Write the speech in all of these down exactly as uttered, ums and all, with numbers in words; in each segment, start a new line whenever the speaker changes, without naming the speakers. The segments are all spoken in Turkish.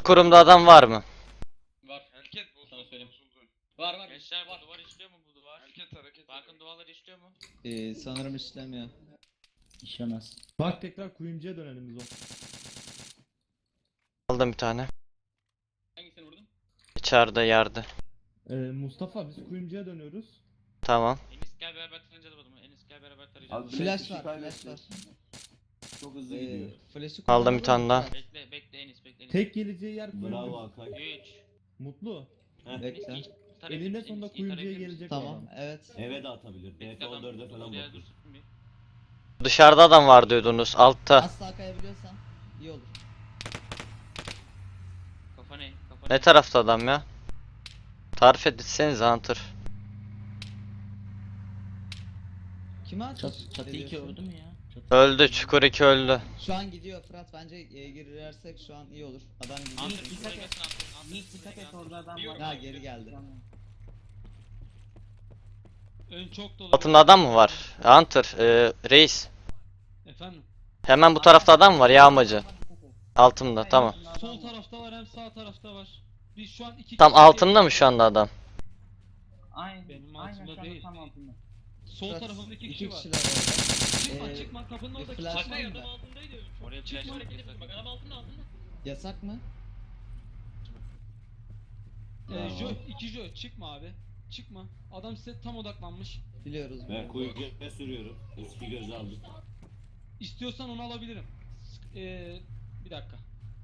Çukurumda adam var mı?
Var.
Hareket bozuldu.
Sana söyleyeyim.
Bozuldu.
Var var.
Gençler
var.
bu duvar işliyor mu bu duvar?
Hareket hareket.
Bankın duvarları işliyor mu?
Ee, sanırım işlemiyor.
İşlemez.
Bak tekrar kuyumcuya dönelim biz o.
Aldım bir tane.
Hangisini vurdun?
İçeride yerde.
Ee, Mustafa biz kuyumcuya dönüyoruz.
Tamam.
Enis gel beraber tarayacağız adamı. Enis gel beraber tarayacağız.
Abi,
Flash
kişi
var,
kaybetti.
flash var.
Çok hızlı
Ee,
gidiyor.
flash'ı
Aldım bir tane daha.
Bekle bekle Enis bekle Enis.
Tek geleceği yer kuyumcu.
Bravo Hakan.
üç.
Mutlu.
Bekle.
Elinde sonunda kuyumcuya gelecek
Tamam,
adam.
evet.
Eve de atabilir. D F on dörde falan bakıyor.
Dışarıda adam var diyordunuz. Altta.
Asla kayabiliyorsan iyi olur.
Kafa ne? Kafa
Ne tarafta adam ya? Tarif etsenize Hunter.
Kime ateş
Çat, çatı iki
ediyorsun?
öldü mü ya? Çatı
Öldü. Çukur iki öldü.
Şu an gidiyor Fırat, bence e, girersek şu an iyi olur. Adam gidiyor.
Hunter
Dikkat
şuraya
et.
gelsin Hunter. Hunter
Yiğit
şuraya
dikkat et,
gelsin.
orada adam var.
Ha, geri geldi.
Ön çok dolu.
Altında adam mı var? Hunter. E, reis.
Efendim.
Hemen bu tarafta adam var yağmacı. Altımda tamam.
Sol tarafta var hem sağ tarafta var. Biz şu an iki
Tam
kişi-
altında mı şu anda adam?
Aynen.
Benim
Aynen,
altımda
şu anda
değil.
tam altında.
Sol
Fırat,
tarafında iki
iki
kişi var.
kişiler orada.
Çıkma
Ee,
çıkma kapının
bir
oradaki.
flash
Çıkma
var
ya.
mı?
altındaydı.
Oraya flash
Çıkma
var.
hareket etme. Bak adam altında altında.
Yasak mı?
Ee, jö, iki jö çıkma abi. Çıkma. Adam size tam odaklanmış.
Biliyoruz.
Ben
biliyoruz.
kuyuya sürüyorum. Eski göz aldım.
İstiyorsan onu alabilirim. Sık- Ee, bir dakika.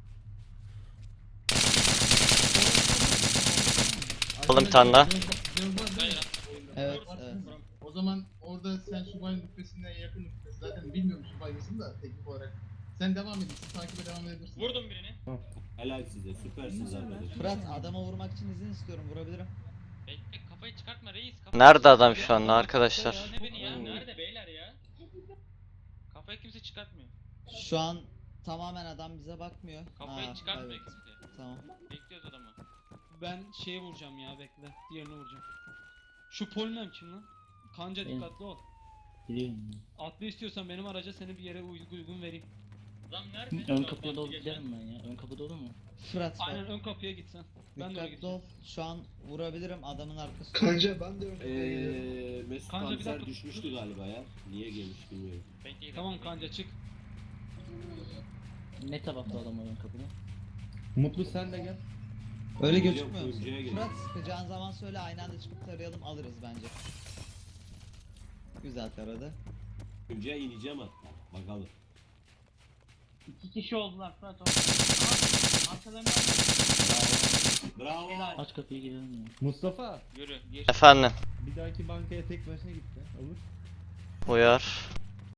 Aldım bir tane daha.
Evet, evet.
O zaman orada sen subayın rütbesinden yakın rütbesi. Zaten bilmiyorum subay mısın da teknik olarak. Sen devam edin, takibe devam edebilirsin.
Vurdum birini.
Helal size. Süpersiniz arkadaşlar.
Fırat, adama vurmak için izin istiyorum, vurabilirim.
Bekle kafayı çıkartma reis. Kafayı
Nerede adam şu anda arkadaşlar?
Ne beni ya?
Nerede beyler ya?
Kafayı kimse çıkartmıyor.
Şu an tamamen adam bize bakmıyor.
Kafayı
Aa,
çıkartmıyor
evet.
kimse.
Tamam.
Bekliyoruz adamı.
Ben şeye vuracağım ya, bekle. Diğerini vuracağım. Şu polmem kim lan? Kanca
Benim.
dikkatli ol.
Biliyorum.
Atlı istiyorsan benim araca seni bir yere uygun uygun vereyim.
Adam nerede?
Ön kapıya doğru giderim ben ya. Ön kapı dolu mu?
Fırat bak,
Aynen ön kapıya gitsen. Ben de oraya
dikkatli
gideceğim.
ol. Şu an vurabilirim adamın arkasında.
Kanca ben de önüne geliyorum.
Eee Mesut
Kanka, bir
Kanser
dakika.
düşmüştü galiba ya. Niye gelmiş bilmiyorum.
Bekleyin.
Tamam kanca çık.
Ne tarafta adam var ön kapıda?
Mutlu sen de gel.
Öyle
Geliyorum,
gözükmüyor musun?
kuyumcuya geliyorum.
Fırat, sıkacağın zaman söyle, aynı anda çıkıp tarayalım, alırız bence. Güzel taradı.
Kuyumcuya ineceğim hatta. Bakalım.
İki kişi oldular Fırat orada. Arkalarından
Bravo.
aç kapıyı girelim ya.
Mustafa
Yürü. Gir.
Efendim.
bir dahaki bankaya tek başına gitti. Olur.
Uyar.